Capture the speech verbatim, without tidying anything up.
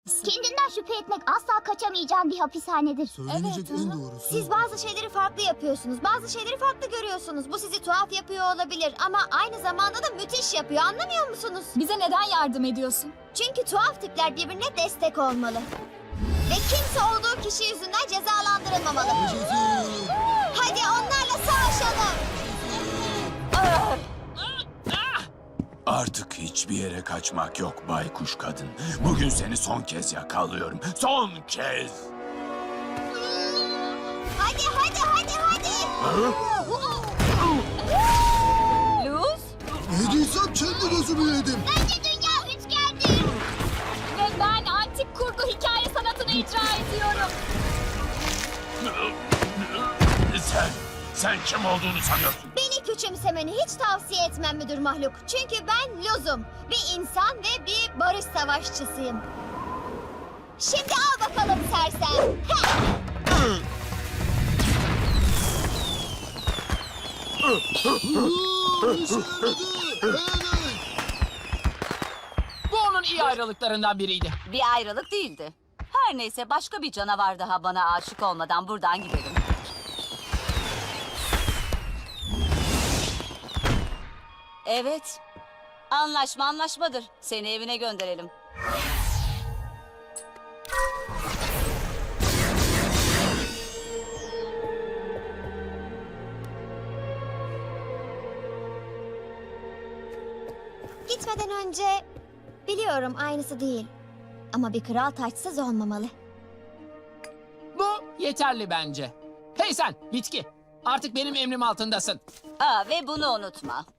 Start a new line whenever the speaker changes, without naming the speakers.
Kendinden şüphe etmek asla kaçamayacağın bir hapishanedir.
Söylenecek
Evet,
en
hı hı.
doğrusu.
Siz bazı şeyleri farklı yapıyorsunuz. Bazı şeyleri farklı görüyorsunuz. Bu sizi tuhaf yapıyor olabilir ama aynı zamanda da müthiş yapıyor. Anlamıyor musunuz?
Bize neden yardım ediyorsun?
Çünkü tuhaf tipler birbirine destek olmalı. Ve kimse olduğu kişi yüzünden cezalandırılmamalı.
Yaşasın.
Hadi onlarla savaşalım.
Artık hiçbir yere kaçmak yok baykuş kadın. Bugün seni son kez yakalıyorum. Son kez.
Hadi hadi hadi hadi.
Luz
Yediysem kendi gözümü yedim.
Bence dünya üçgendir.
ve ben antik kurgu hikaye sanatını icra ediyorum.
Sen, sen kim olduğunu sanıyorsun?
Beni küçümsemeni hiç tavsiye etmem müdür mahluk. Çünkü ben Luz'um. Bir insan ve bir barış savaşçısıyım. Şimdi al bakalım sersem. Heh!
Aa, işe yaradı. Evet.
Bu onun iyi ayrılıklarından biriydi.
Bir ayrılık değildi. Her neyse başka bir canavar daha bana aşık olmadan buradan gidelim. Evet. Anlaşma anlaşmadır. Seni evine gönderelim.
Gitmeden önce biliyorum aynısı değil. Ama bir kral taçsız olmamalı.
Bu yeterli bence. Hey sen bitki. Artık benim emrim altındasın.
Aa, ve bunu unutma.